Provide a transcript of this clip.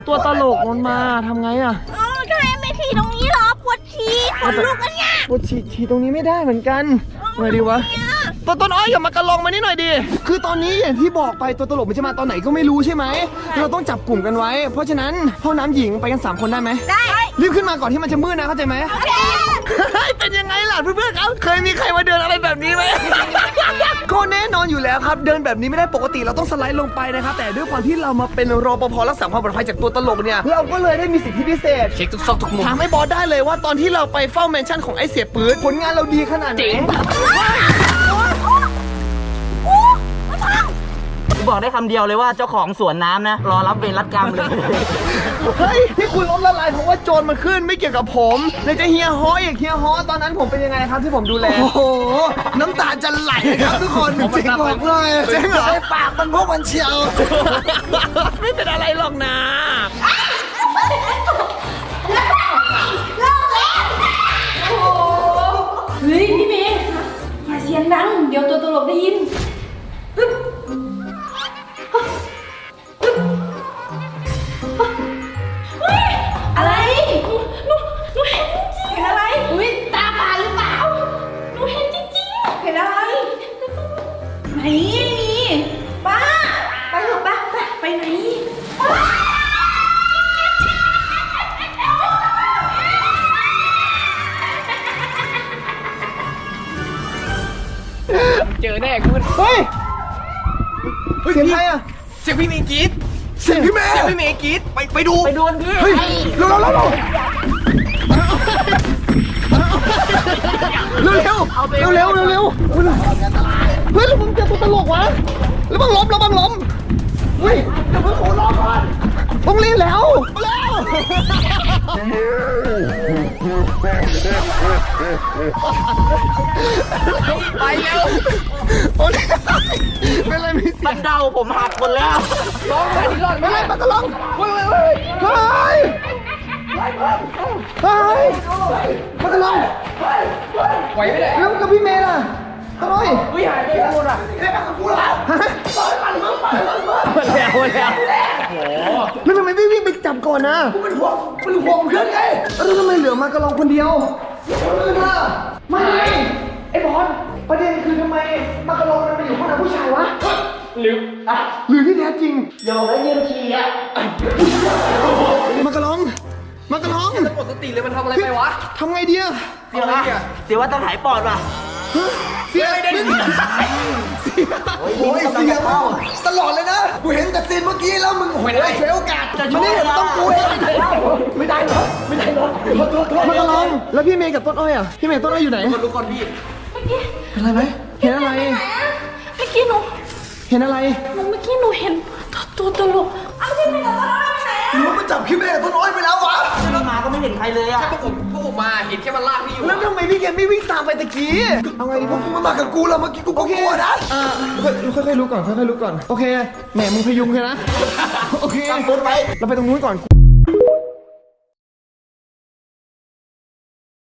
ตัวตลกมันมาทำไงอ่ะจะให้ไม่ทีตรงนี้เหรอปวดฉี่ขนลุกกันเนี่ยปวดฉี่ตรงนี้ไม่ได้เหมือนกันไงดีวะตัวต้นอ้อยอย่ามากระลองมานี่หน่อยดิคือตอนนี้อย่างที่บอกไปตัวตลกมันจะมาตอนไหนก็ไม่รู้ใช่ไหมเราต้องจับกลุ่มกันไว้เพราะฉะนั้นห้องน้ำหญิงไปกัน3 คนได้ไหมได้รีบขึ้นมาก่อนที่มันจะมืดนะเข้าใจไหมโอเคเป็นยังไงล่ะเพื่อนๆครับเคยมีใครมาเดินอะไรแบบนี้ไหมก็แน่นอนอยู่แล้วครับเดินแบบนี้ไม่ได้ปกติเราต้องสไลด์ลงไปนะครับแต่ด้วยความที่เรามาเป็นรปภรักษาความปลอดภัยจากตัวตลกเนี่ยเราก็เลยได้มีสิทธิพิเศษเช็คทุกซอกทุกมุมถามไอ้บอสได้เลยว่าตอนที่เราไปเฝ้าแมนชั่นของไอ้เสียปืนผลงานเราดีขนาดไหนบอกได้คำเดียวเลยว่าเจ้าของสวนน้ำนะรอรับเวรรับกรรมเลยเฮ้ยที่คุณล้มละลายเพราะว่าโจรมันขึ้นไม่เกี่ยวกับผมในจะเฮียฮออย่างเฮียฮอตอนนั้นผมเป็นยังไงครับที่ผมดูแลโอ้โหน้ำตาจะไหลครับทุกคนจริงบอกเลยจริงเหรอปากมันพวกมันเชียวไม่เป็นอะไรหรอกนะเฮ้ยพี่เมย์อย่าเสียงดังเดี๋ยวตัวตลกได้ยินอะไรหนูเห็นจริงเห็นอะไรอุ้ยตาฝาดหรือเปล่าหนูเห็นจริงๆเห็นอะไรไหนไม่มีป้าไปเถอะป้าไปไหนเจอแน่คุณเฮ้ยเสียงใครอะเสียงพี่เมย์กรี๊ดเสียงพี่เมย์กรี๊ดไปดูกันพี่เฮ้ยเร็วเร็วเฮ้ยแล้วมึงเจอตัวตลกวะแล้วบังล้มเฮ้ยเดี๋ยวมึงขอรอก่อนต้องรีบแล้วไปแล้วโอ้ยเป็นไรไม่เสียบันเดาผมหักหมดแล้วร้องไปดิร้องไม่ไรมันก็ร้องเฮ้ยมันก็ร้องไหวไม่ได้แล้วพี่เมย์ล่ะทำไมวิ่งหายไปหมดอ่ะเอ๊ะกับกูล่ะปล่อยมันแล้วโอ้แล้วทำไมไม่วิ่งไปจับก่อนนะกูเป็นห่วงเพื่อนไงแล้วทำไมเหลือมากระลองคนเดียวคนอื่นล่ะไม่ไอ้บอลประเด็นคือทำไมมากระลองมันไปอยู่ห้องน้ำผู้ชายวะหรือที่แท้จริงอย่าบอกได้เยี่ยมทีอ่ะมากระลองจะหมดสติเลยมันทำอะไรไปวะทำไงดีอะเสียว่าต้องหายปอดว่ะเสียไม่ได้โอ้ยเสียตลอดเลยนะกูเห็นแต่ซีนเมื่อกี้แล้วมึงโอ้ยเสียโอกาสจะไม่ได้ต้องกูเองไม่ได้เหรอมากระลองแล้วพี่เมย์กับต้นอ้อยอ่ะพี่เมย์ต้นอ้อยอยู่ไหนดูก่อนพี่เห็นอะไรไหมเห็นอะไรเมื่อกี้หนูเห็นอะไรเมื่อกี้หนูเห็นตัวตลกเอาพี่เมย์กับต้นอ้อยไปไหนอะหนูมันจับพี่เมย์กับต้นอ้อยไปแล้ววะมาก็ไม่เห็นใครเลยอะพวกผมมาเห็นแค่มันลากพี่อยู่แล้วทำไมพี่แกไม่วิ่งตามไปตะกี้เอาไงดีพวกมึงมากับกูแล้วเมื่อกี้กูก็กลัวนะค่อยๆรู้ก่อนโอเคแหมมึงพยุงแค่นะโอเคเราไปตรงนู้นก่อน